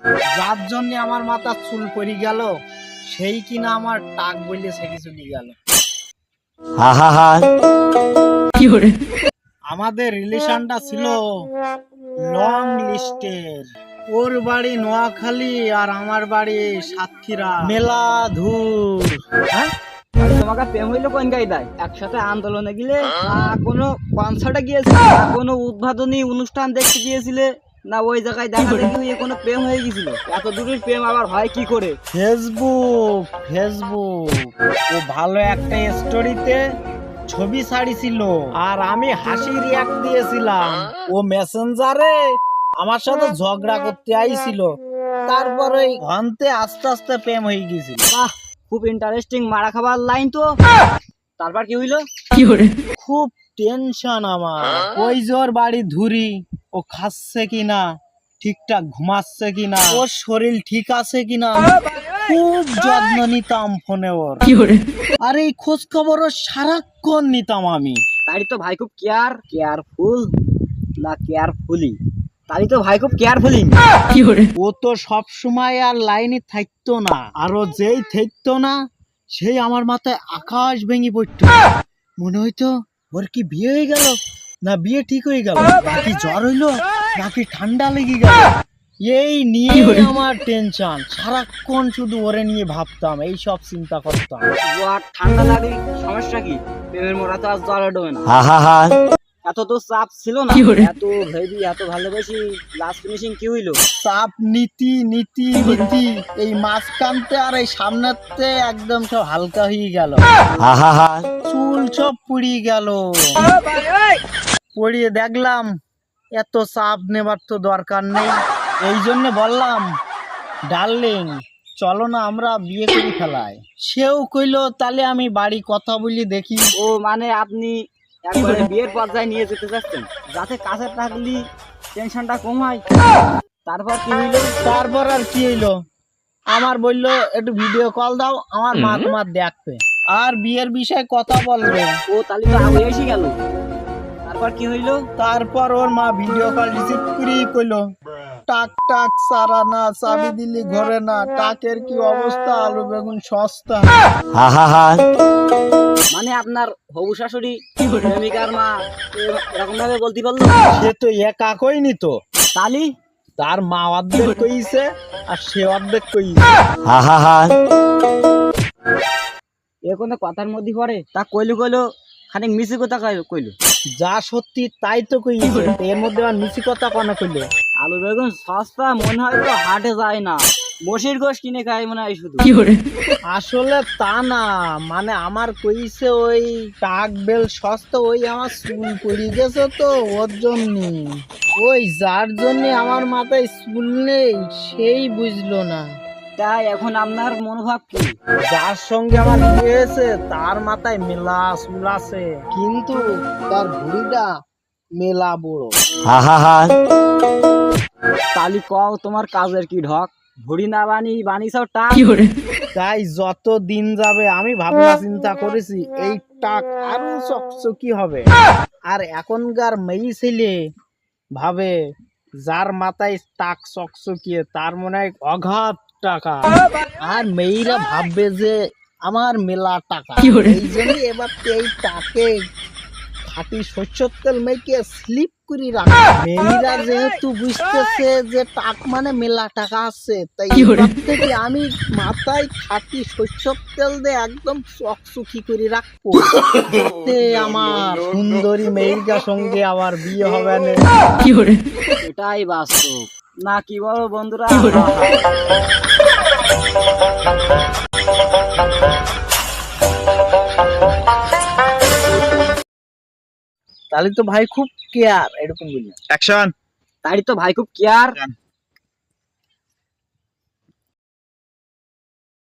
যার জন্য আমার মাথা চুল পড়ে গেল সেই কিনা আমার টাক বললে সেটি চলে গেল। আমাদের রিলেশনটা ছিল লং লিস্টের। ওর বাড়ি নোয়াখালী আর আমার বাড়ি সাতক্ষীরা। মেলা ধুর। হ্যাঁ তোমাকে প্রেম হইলো কোন গাইদায়? একসাথে আন্দোলনে গেলে কোনো কনসার্টে গিয়েছিলে, কোনো উদ্বোধনী অনুষ্ঠান দেখতে গিয়েছিলে, না ওই জায়গায় দেখা দেখি হয়ে কোনো প্রেম হয়ে গেছিল? এত দূরের প্রেম আবার হয় কি করে? ফেসবুক ও ভালো একটা স্টোরিতে ছবি ছাড়িছিল আর আমি হাসি রিয়াক্ট দিয়েছিলাম। ও মেসেঞ্জারে আমার সাথে ঝগড়া করতে আইছিল, তারপরে ঘন্তে আস্তে আস্তে প্রেম হয়ে গেছিল। বাহ, খুব ইন্টারেস্টিং মারা খাবার লাইন তো। তারপর কি হইলো? খুব টেনশন আমার। ওই জোর বাড়ি ধুরি, ও খাচ্ছে কিনা, ঠিকঠাক ঘুমাচ্ছে কিনা, ওর শরীর ঠিক আছে কিনা খুব যত্ন নিতাম ফোনে ওর। আর এই খোঁজ খবরও সারাক্ষণ নিতাম আমি। তাই তো ভাই খুব কেয়ারফুল না কেয়ারফুলি? তাই তো ভাই খুব কেয়ারফুলি। ও তো সব সময় আর লাইনে থাকতো না, আরো যেই থাকতো না সেই আমার মাথায় আকাশ ভেঙে পড়তো। মনে হইতো ওর কি বিয়ে হয়ে গেল, না বিয়ে ঠিক হয়ে গেল, নাকি জ্বর হইলো, নাকি ঠান্ডা লেগে গেল। এই নিয়ে আমার টেনশন, সারাক্ষণ শুধু ওরে নিয়ে ভাবতাম, এই সব চিন্তা করতাম। জ্বর ঠান্ডা লাগে সমস্যা কি? প্রেমের মোড়া তো আর জ্বর ডোবে না। এত তো চাপ ছিল না, এত হেভি, এত ভালোবাসি, লাস্ট ফিনিশিং কি হইলো? চাপ নীতি এই মাঝখানতে আর এই সামনেতে একদম সব হালকা হয়ে গেল। চুল সব পুড়িয়ে গেল। পড়িয়ে দেখলাম এত চাপ নেবার তো দরকার নেই। এই জন্য বললাম, ডার্লিং চলো না আমরা বিয়ে করে ফেলাই। সেও কইলো তাহলে আমি বাড়ি কথা বলি দেখি। ও মানে আপনি একবারে বিয়ের পর্যায়ে নিয়ে যেতে চাচ্ছেন, যাতে কাছে থাকলি টেনশনটা কম হয়। তারপর কি হইলো? তারপর আর কি হইলো, আমার বললো একটু ভিডিও কল দাও, আমার মা তোমার দেখবে আর বিয়ের বিষয়ে কথা বলবে। ও তাহলে তো আগে এসে গেল। তারপর কি হইলো? তারপর ওর মা ভিডিও কল রিসিভ করেই কইলো, টাক সারা না, চাবি দিলি ঘরে না, টাকের কি অবস্থা, আলু বেগুন সস্তা। মানে আপনার হবু শাশুড়ি প্রেমিকার মা এরকম ভাবে বলতে পারলো? সে তো একা কইনি তো, তালি তার মা অর্ধেক কইছে আর সে অর্ধেক কইছে। এ কোনো কথার মধ্যে পড়ে? তা কইলো খানিক মিছি কথা কইলো। যা সত্যি তাই তো কইছে, এর মধ্যে আর মিছি কথা কোন কইলো? আলু বেগুন সস্তা মনে হয় তো হাটে যায় না, মসির গোশ কিনে খায় মনে হয় শুধু। আসলে তা না, মানে আমার কইছে ওই টাক বেল সস্তা, ওই আমার চুল পড়ে গেছে তো ওর জন্য, ওই যার জন্য আমার মাথায় চুল নেই সেই বুঝলো না। তাই এখন আপনার মনোভাব কি? যার সঙ্গে আমার বিয়ে হয়েছে তার মাথায় মেলা চুল আছে, কিন্তু তার ভুঁড়িটা মেলা বড়। তালি কও তোমার কাজের কি ঢক? ভুড়ি না বানিয়েছো টাক। তাই যত দিন যাবে আমি ভাবনা চিন্তা করেছি এই টাক আরো চকচকি হবে। আর এখনকার মেয়ে ছেলে ভাবে যার মাথায় টাক চকচকিয়ে তার মনে হয় অগাধ টাকা, আর মেয়েরা ভাববে যে আমার মেলা টাকা। এই জন্য এবার এই টাকে খাঁটি সরষের তেল মেখে স্লিপ করে রাখে। মেয়েরা যেহেতু বুঝতেছে যে টাক মানে মেলা টাকা আছে, তাই এবার থেকে আমি মাথায় খাঁটি সরষের তেল দিয়ে একদম চকচকি করে রাখবো, আমার সুন্দরী মেয়ের সঙ্গে আবার বিয়ে হবে না। এটাই বাস্তব না কি বলো বন্ধুরা? তাহলে তো ভাই খুব কেয়ার, এরকম বললেন। অ্যাকশন। তাই তো ভাই খুব কেয়ার